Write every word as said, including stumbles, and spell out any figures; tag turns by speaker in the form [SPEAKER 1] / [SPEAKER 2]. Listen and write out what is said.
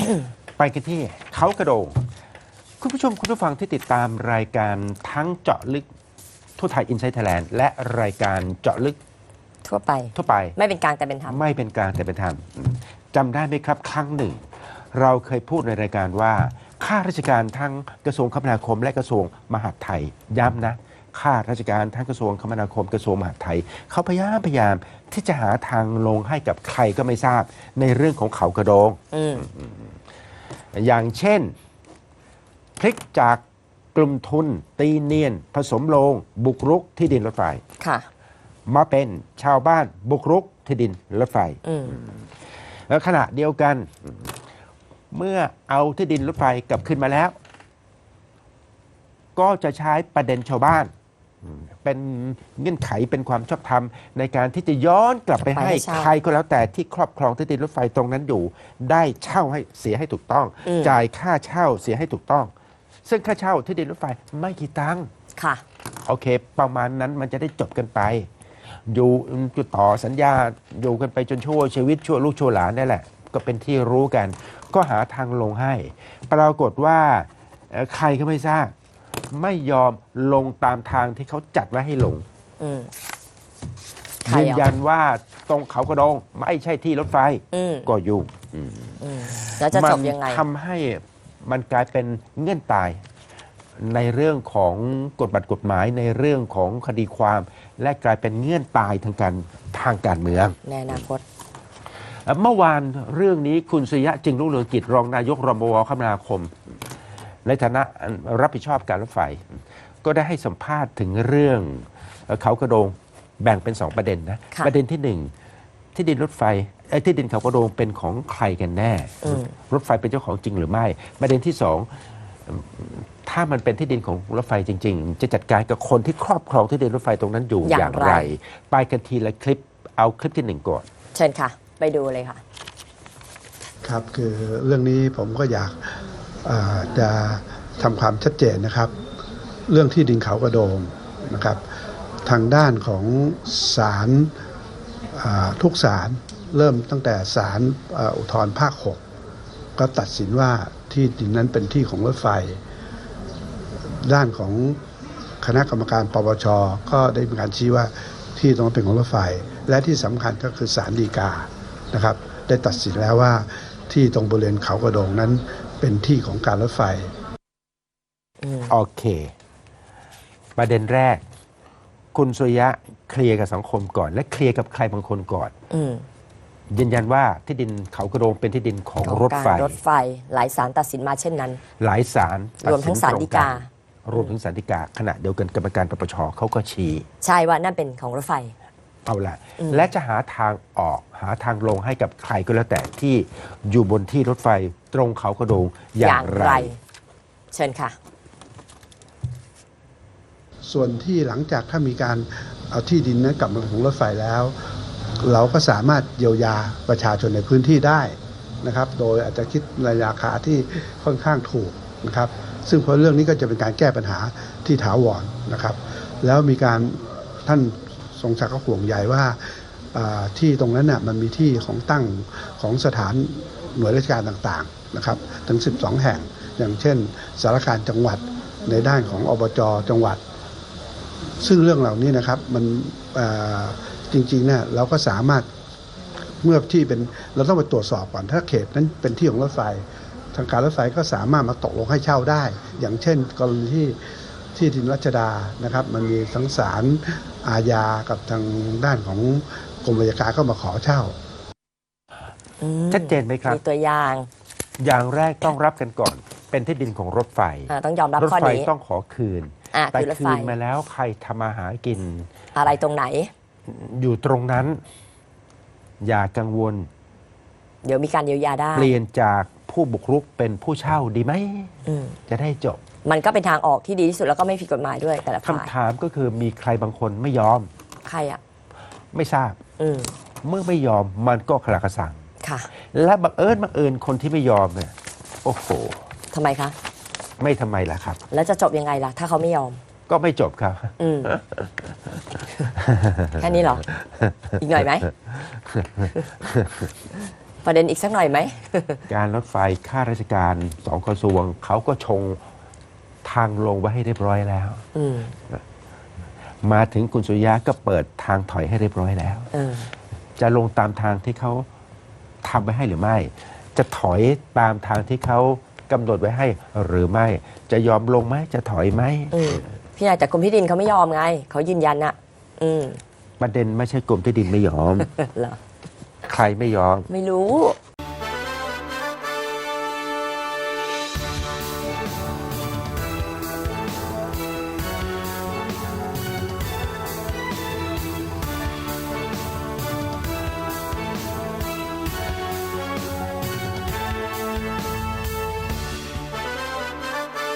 [SPEAKER 1] ไปกันที่เขากระโดงคุณผู้ชมคุณผู้ฟังที่ติดตามรายการทั้งเจาะลึกทั่วไทยอินไซต์ไทยแลนด์และรายการเจาะลึก
[SPEAKER 2] ทั่วไป
[SPEAKER 1] ทั่วไป
[SPEAKER 2] ไม่เป็นกลางแต่เป็นธรรม
[SPEAKER 1] ไม่เป็นกลางแต่เป็นธรรมจำได้ไหมครับครั้งหนึ่ง เราเคยพูดในรายการว่าข้าราชการทั้งกระทรวงคมนาคมและกระทรวงมหาดไทยย้ำนะข้าราชการทั้งกระทรวงคมนาคมกระทรวงมหาดไทยเขาพยายามพยายามที่จะหาทางลงให้กับใครก็ไม่ทราบในเรื่องของเขากระโดง
[SPEAKER 2] อืม
[SPEAKER 1] อย่างเช่นพลิกจากกลุ่มทุนตีเนียนผสมโลงบุกรุกที่ดินรถไฟ
[SPEAKER 2] ค่ะ
[SPEAKER 1] มาเป็นชาวบ้านบุกรุกที่ดินรถไฟ
[SPEAKER 2] อืม
[SPEAKER 1] แล้วขณะเดียวกันเมื่อเอาที่ดินรถไฟกลับขึ้นมาแล้ว ก็จะใช้ประเด็นชาวบ้าน เป็นเงื่อนไขเป็นความชอบธรรมในการที่จะย้อนกลับไปให้
[SPEAKER 2] ไปให้เช่า
[SPEAKER 1] ใครก็แล้วแต่ที่ครอบครองที่ดินรถไฟตรงนั้นอยู่ ได้เช่าให้เสียให้ถูกต้อง
[SPEAKER 2] อืม
[SPEAKER 1] จ่ายค่าเช่าเสียให้ถูกต้อง ซึ่งค่าเช่าที่ดินรถไฟไม่กี่ตังค์
[SPEAKER 2] ค่ะ
[SPEAKER 1] โอเค ประมาณนั้นมันจะได้จบกันไป อยู่จุดต่อสัญญาอยู่กันไปจนชั่วชีวิตชั่วลูกชั่วหลานนี่แหละ ก็เป็นที่รู้กัน ก็หาทางลงให้ ปรากฏว่าเอ่อใครก็ไม่ทราบไม่ยอมลงตามทางที่เขาจัดไว้ให้ลง
[SPEAKER 2] อืม ใคร
[SPEAKER 1] ยืน
[SPEAKER 2] อ่ะ
[SPEAKER 1] ยันว่าตรงเขากระโดงไม่ใช่ที่รถไฟ
[SPEAKER 2] อืม
[SPEAKER 1] ก็ยุ่ง
[SPEAKER 2] อืม แล้วจะจบยังไง
[SPEAKER 1] ทำให้มันกลายเป็นเงื่อนตาย ในเรื่องของกฎบัตรกฎหมายในเรื่องของคดีความ และกลายเป็นเงื่อนตายทางการทางการเมือง
[SPEAKER 2] ในอนาคต
[SPEAKER 1] เมื่อวานเรื่องนี้คุณสุริยะจึงรุ่งเรืองกิจรองนายกรมวคมนาคม ในฐานะรับผิดชอบการรถไฟ ก็ได้ให้สัมภาษณ์ถึงเรื่องเขากระโดงแบ่งเป็นสองประเด็นนะ
[SPEAKER 2] ค่ะ
[SPEAKER 1] ประเด็นที่หนึ่งที่ดินรถไฟไอ้ที่ดินเขากระโดงเป็นของใครกันแน่
[SPEAKER 2] อืม
[SPEAKER 1] รถไฟเป็นเจ้าของจริงหรือไม่ ประเด็นที่สองถ้ามันเป็นที่ดินของรถไฟจริง ๆ จะจัดการกับคนที่ครอบครองที่ดินรถไฟตรงนั้นอยู่อย่
[SPEAKER 2] อา
[SPEAKER 1] ย่าง ง
[SPEAKER 2] ไร
[SPEAKER 1] ไร ไปกันทีละคลิปเอาคลิปที่หนึ่งก่อน
[SPEAKER 2] เชิญค่ะ ไปดูเลยค่ะ
[SPEAKER 3] ครับคือเรื่องนี้ผมก็อยากเอ่อจะทำความชัดเจนนะครับ เรื่องที่ดินเขากระโดงนะครับ ทางด้านของศาลอ่าทุกศาลเริ่มตั้งแต่ศาลเอ่ออุทธรณ์ภาคหกก็ตัดสินว่าที่ดินนั้นเป็นที่ของรถไฟ ด้านของคณะกรรมการปปชก็ได้มีการชี้ว่าที่ตรงนั้นเป็นของรถไฟ และที่สำคัญก็คือศาลฎีกานะครับ ได้ตัดสินแล้วว่าที่ตรงบริเวณเขากระโดงนั้นเป็นที่ของการรถไฟ
[SPEAKER 2] อืม
[SPEAKER 1] โอเค ประเด็นแรก คุณสุริยะเคลียร์กับสังคมก่อน และเคลียร์กับใครบางคนก่อน
[SPEAKER 2] อืม
[SPEAKER 1] ยืนยันว่าที่ดินเขากระโดงเป็นที่ดินของ
[SPEAKER 2] ของ
[SPEAKER 1] รถไฟ
[SPEAKER 2] การรถไฟ หลายศาลตัดสินมาเช่นนั้น
[SPEAKER 1] หลายศาลตัด
[SPEAKER 2] รวมทั้งศาลฎีกา
[SPEAKER 1] ตรงนรวมถึงศาลฎีกา ขณะเดียวกันกรรมการปปชเขาก็ชี้
[SPEAKER 2] ใช่ว่านั่นเป็นของรถไฟ
[SPEAKER 1] เอาละ
[SPEAKER 2] อืม
[SPEAKER 1] และจะหาทางออกหาทางลงให้กับใครก็แล้วแต่ที่อยู่บนที่รถไฟตรงเขากระโดงอย่างไร
[SPEAKER 2] เชิญค่ะ
[SPEAKER 3] ส่วนที่หลังจากถ้ามีการเอาที่ดินนั้นกลับมาเป็นของรถไฟแล้ว เราก็สามารถเยียวยาประชาชนในพื้นที่ได้นะครับ โดยอาจจะคิดในราคาที่ค่อนข้างถูกนะครับ ซึ่งเพราะเรื่องนี้ก็จะเป็นการแก้ปัญหาที่ถาวรนะครับ แล้วมีการท่านทรงศักดิ์ก็ห่วงใยว่าอ่าที่ตรงนั้นน่ะมันมีที่ของตั้งของสถานหน่วยราชการต่างๆนะครับถึงสิบสองแห่ง อย่างเช่นสารการจังหวัดในด้านของอบจจังหวัด ซึ่งเรื่องเหล่านี้นะครับมันเอ่อจริงๆเนี่ยเราก็สามารถเมื่อที่เป็นเราต้องไปตรวจสอบก่อนถ้าเขตนั้นเป็นที่ของรถไฟ ทางการรถไฟก็สามารถมาตกลงให้เช่าได้ อย่างเช่น กรณีที่ที่ดินรัชดานะครับ มันมีทั้งศาลอาญากับทางด้านของกรมอัยการก็มาขอเช่า
[SPEAKER 2] อืม
[SPEAKER 1] ชัดเจนไหมครับ
[SPEAKER 2] มีตัวอย่าง
[SPEAKER 1] อย่างแรกต้องรับกันก่อน เป็นที่ดินของรถไฟ
[SPEAKER 2] อ่าต้องยอมรับ
[SPEAKER 1] รถ
[SPEAKER 2] ข้อ
[SPEAKER 1] ไฟ
[SPEAKER 2] นี้
[SPEAKER 1] ต้องขอคืน
[SPEAKER 2] อ่า
[SPEAKER 1] แต่
[SPEAKER 2] คือรถ
[SPEAKER 1] คื
[SPEAKER 2] ไฟ
[SPEAKER 1] นมาแล้วใครทำมาหากิน
[SPEAKER 2] อะไรตรงไหน
[SPEAKER 1] อยู่ตรงนั้น อย่ากังวล
[SPEAKER 2] เดี๋ยวมีการเยียวยาได้
[SPEAKER 1] เปลี่ยนจากผู้บุกรุกเป็นผู้เช่าดีไหม
[SPEAKER 2] อืม
[SPEAKER 1] จะได้จบ
[SPEAKER 2] มันก็เป็นทางออกที่ดีที่สุดแล้วก็ไม่ผิดกฎหมายด้วยแต่ละฝ่าย
[SPEAKER 1] คำถามก็คือมีใครบางคนไม่ยอม
[SPEAKER 2] ใครอ่ะ
[SPEAKER 1] ไม่ทราบ
[SPEAKER 2] อืม
[SPEAKER 1] เมื่อไม่ยอมมันก็ขลากระสัง
[SPEAKER 2] ค่ะ
[SPEAKER 1] และบังเอิญบังเอิญคนที่ไม่ยอมเนี่ยโอ้โห
[SPEAKER 2] ทำไมคะ
[SPEAKER 1] ไม่ทำไมล่ะครับ
[SPEAKER 2] แล้วจะจบยังไงล่ะ ถ้าเขาไม่ยอม
[SPEAKER 1] ก็ไม่จบครับ
[SPEAKER 2] อืม แค่นี้เหรอ อีกหน่อยไหมประเด็นอีกสักหน่อยไหม
[SPEAKER 1] การรถไฟข้าราชการสองกระทรวงเขาก็ชงทางลงไว้ให้เรียบร้อยแล้ว
[SPEAKER 2] อืม
[SPEAKER 1] มาถึงคุณสุริยะก็เปิดทางถอยให้เรียบร้อยแล้ว
[SPEAKER 2] เออ
[SPEAKER 1] จะลงตามทางที่เขาทำไว้ให้หรือไม่ จะถอยตามทางที่เขากำหนดไว้ให้หรือไม่ จะยอมลงไหมจะถอยไหม
[SPEAKER 2] อืมพี่นายแต่กรมที่ดินเขาไม่ยอมไงเขายืนยันอะอืม
[SPEAKER 1] ประเด็นไม่ใช่กรมที่ดินไม่ยอม
[SPEAKER 2] เหรอ
[SPEAKER 1] ใครไม่ยอม
[SPEAKER 2] ไม่รู้